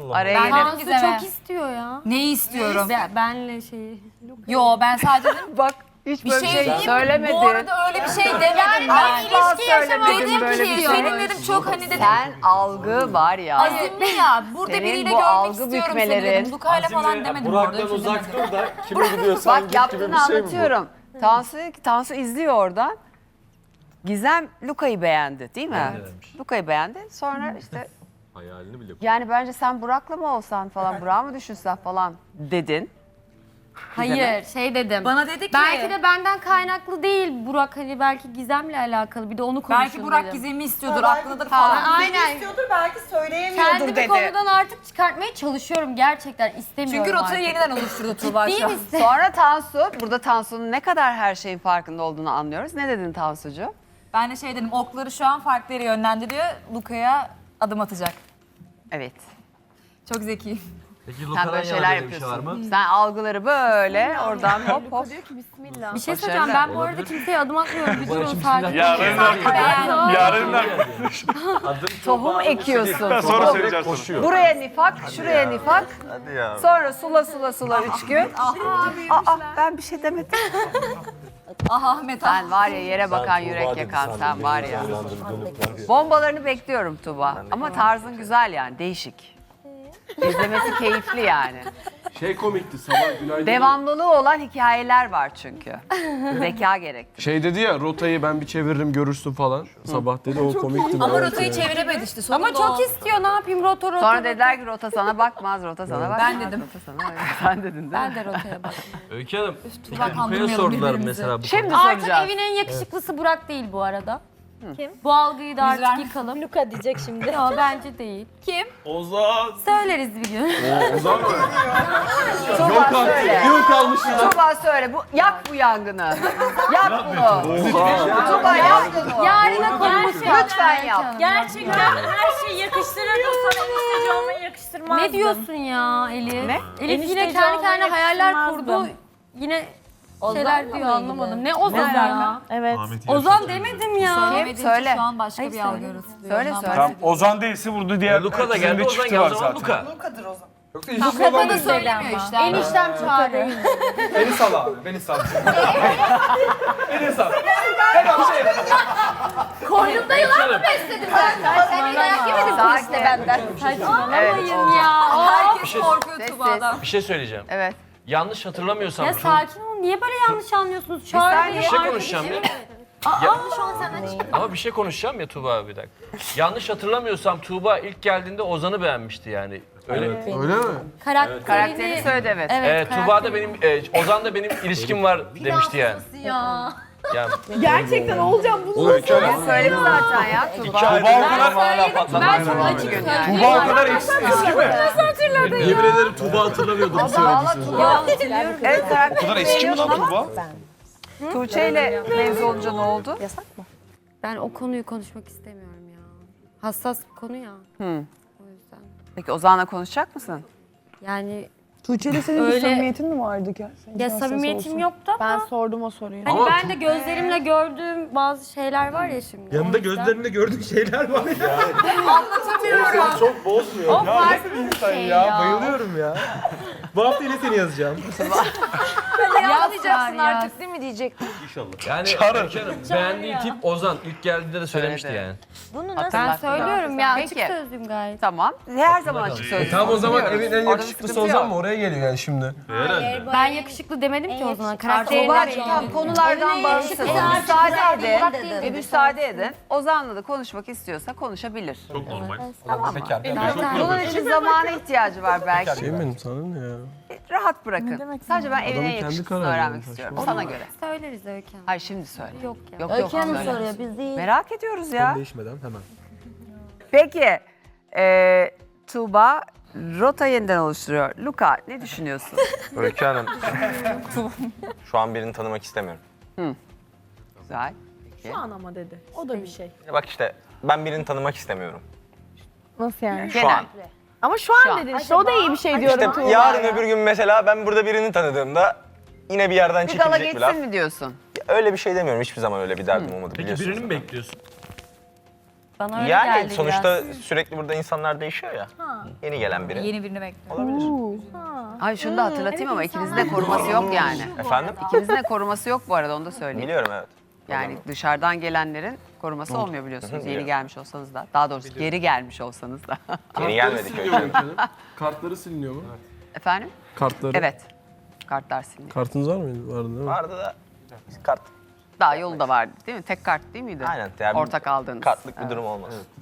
Araya girip. Tansu çok istiyor ya. Neyi istiyorum? Benle şeyi. Yo ben sadece dedim. Bak hiç Bir böyle şey şey diyeyim mi? söylemedin. Bu arada öyle bir şey demedim ben. Asla söylemedin Dedim böyle ki bir senin şey. dedim çok hani dedim. Sen algı var ya. Azimli ya. Burada Senin biriyle bu görmek algı istiyorum seni bükmelerin- dedim. Luka'yla falan demedim. burada, Burak'tan öyle bir şey uzak demedim. dur da kime gidiyorsan Bak git gibi yaptığını bir şey mi bu? anlatıyorum. Tansu dedi ki, Tansu izliyor oradan. Gizem Luka'yı beğendi değil mi? Luka'yı beğendi. Sonra işte Hayalini bile yani bence sen Burak'la mı olsan falan, Burak'ı mı düşünsen falan dedin. Hayır şey dedim. Bana dedi ki. Belki de benden kaynaklı değil Burak, hani belki Gizem'le alakalı, bir de onu konuşun Belki Burak dedim. Gizem'i istiyordur, aklındadır falan. Aynen. İstiyordur belki söyleyemiyordur Kendimi dedi. konudan artık çıkartmaya çalışıyorum, gerçekten istemiyorum Çünkü rotayı artık. yeniden oluşturdu Tuğba Değil şu an. misin? Sonra Tansu, burada Tansu'nun ne kadar her şeyin farkında olduğunu anlıyoruz. Ne dedin Tansucuğum? Ben de şey dedim, okları şu an farklı yere yönlendiriyor. Luka'ya adım atacak. Evet. Çok zeki. Peki Sen böyle şeyler yapıyorsun. Sen algıları böyle oradan hop hop. Bir şey söyleyeceğim, ben bu arada kimseye adım atmıyorum. Bir durun sakin. Yarından Tohum ekiyorsun. sonra Tohum. söyleyeceğim sana. Koşuyor. Buraya nifak, şuraya nifak. Hadi ya. Sonra sula 3 gün. Aa ben bir şey demedim. Ah Ahmet ah. Sen var ya yere bakan yürek yakan sen var ya. Bombalarını bekliyorum Tuba. Ama tarzın güzel yani, değişik. İzlemesi keyifli yani. Şey komikti sabah günaydın. Devamlılığı olan hikayeler var çünkü. Zeka gerekti. Şey dedi ya rotayı ben bir çeviririm görürsün falan. Sabah dedi o komikti. Ama bayağı. rotayı çeviremedi işte. Ama sonunda çok o. istiyor, ne yapayım, rota. Sonra dediler ki rota sana bakmaz, rota sana bakmaz. Ben dedim. Rota sana sen dedin değil mi? Ben de rotaya bak. Öykü Hanım, Tuğba Luka'ya kandırmayalım sordular birbirimizi. mesela bu Şimdi Artık soracağız. evin en yakışıklısı Burak değil bu arada. Kim? Bu algıyı da artık Yüzler- yıkalım. Luka diyecek şimdi. Yok bence değil. Kim? Ozan. Söyleriz bir gün. Ozan mı? Tuba söyle. Yıl kalmış ya. Tuba söyle. Yak bu yangını. Yak bunu. Tuba yak bunu. Yarına konuşalım. Lütfen yap. Gerçekten her şeyi yakıştırırdım, sana enişteci olmayı yakıştırmazdım. Ne diyorsun ya Elif? Ne? Elif yine Enişteci kendi olmayı kendine hayaller yakıştırmazdım. kurdu. Yine şeyler diyor, anlamadım. Ne Ozan Ne ya? Evet. Ozan demedim ya. Söylemediğin için Söyle. şu an başka Hayır, bir algı söyle. yaratılıyor. Söyle, Ondan söyle. Tamam Ozan değilse burada diğer Luka da ikisinin geldi, de Ozan çifti geldi var o zaman zaten. Luka. Lukadır o zaman. Yoksa Luka da söylemiyor işte. Eniştem çağırıyor. Beni sal abi beni sal. Koynumda yılan mı besledim ben? Sen dayak yemedin kuliste benden. Saçmalamayın ya. Herkes korkuyor Sessiz. Tuğba'dan. Bir şey söyleyeceğim. Evet. Yanlış hatırlamıyorsam Ya sakin olun. Niye böyle yanlış anlıyorsunuz? Çağrı saniye. benim bir şey arkadaşım. konuşacağım ya. Şu an senden çıkıyor. Ama bir şey konuşacağım ya Tuğba abi bir dakika. Yanlış hatırlamıyorsam Tuğba ilk geldiğinde Ozan'ı beğenmişti yani. Öyle. Öyle mi? Karakteri söyledi evet. Tuğba da benim, Ozan da benim ilişkim var demişti yani. Ya. Yani Gerçekten olacağım bunu. Oğlum iki ay Söyledi zaten ya Tuba. Tuba o kadar, Ben çok açık söyleyeyim. Tuba o kadar eski mi? yemin ederim Tuğba hatırlamıyordu bu söylediği sözü. Evet karakteri O kadar eski mi lan Tuba? Tuğçe ile mevzu olunca ne oldu? Ben o konuyu konuşmak istemiyorum ya. Hassas bir konu ya. O yüzden. Peki Ozan'la konuşacak mısın? Yani Tuğçe'yle senin Öyle- bir samimiyetin mi vardı ki? ya samimiyetim yoktu ama Ben sordum o soruyu. hani ben de gözlerimle gördüğüm bazı şeyler var ya şimdi. Yanında O yüzden- gözlerinde gördük şeyler var ya. Çok bozmuyor. O farklı bir şey ya. Bayılıyorum ya. Bu hafta yine seni yazacağım. Yazacaksın artık. değil mi diyecektim. yani Öykü Hanım beğendiği tip Ozan ilk geldiğinde de söylemişti Söyledi. yani. Ben Hatırlattı. söylüyorum ya, açık Peki. sözlüyüm gayet. Tamam. Her zaman açık sözlü. Tamam o zaman Biliyoruz. evin en Orada bir yakışıklısı sıkıntı Ozan yok. mı? Oraya geliyor yani şimdi. Ben yakışıklı demedim ki o zaman. Karakterine Tuba'cığım tamam, konulardan bağımsız. Müsaade edin. Ve müsaade edin. Ozan'la da konuşmak istiyorsa konuşabilir. Çok normal. Bunun için zamana ihtiyacı var belki. Şey benim sana ne ya? Rahat bırakın. Sadece ben evine Adamın kendi yakışıklısını kararı öğrenmek yani, istiyorum. saçma. Sana göre. Söyleriz Öykü Hanım. Hayır şimdi söyle. Yok ya. Yok yok. söyle. biz değil. Merak ediyoruz ya. Değişmeden hemen. Peki. Tuğba rota yeniden oluşturuyor. Luka ne düşünüyorsun? Öykü Hanım. Şu an birini tanımak istemiyorum. Güzel. Şu an ama dedi. O da bir şey. Bak işte ben birini tanımak istemiyorum. Nasıl yani? Şu an. Ama şu Şu an an. dedin işte o da iyi bir şey diyorum İşte Tuğba. yarın öbür gün mesela ben burada birini tanıdığımda yine bir yerden Bir dala çekilecek bir laf. geçsin mi diyorsun? Öyle bir şey demiyorum. Hiçbir zaman öyle bir derdim olmadı Peki biliyorsunuz. birini mi bekliyorsun? Bana öyle Yani geldi sonuçta biraz. sürekli burada insanlar değişiyor ya. Yeni gelen biri. Yeni birini bekliyorum. Olabilir. Ay şunu da hatırlatayım ama ikinizin de koruması yok yani. Efendim? İkinizin de koruması yok bu arada, onu da söyleyeyim. Biliyorum evet. Yani dışarıdan gelenlerin koruması olmuyor biliyorsunuz. Yeni gelmiş olsanız da. Daha doğrusu geri gelmiş olsanız da. Yeni gelmedik Siliniyor mu öyle. efendim? Kartları siliniyor mu? Efendim? Kartları. Evet. Kartlar siliniyor. Kartınız var mıydı? Vardı değil mi? Vardı da kart. Daha yolu da vardı değil mi? Tek kart değil miydi? Aynen. Yani Ortak aldığınız. Kartlık bir Evet. durum olmaz.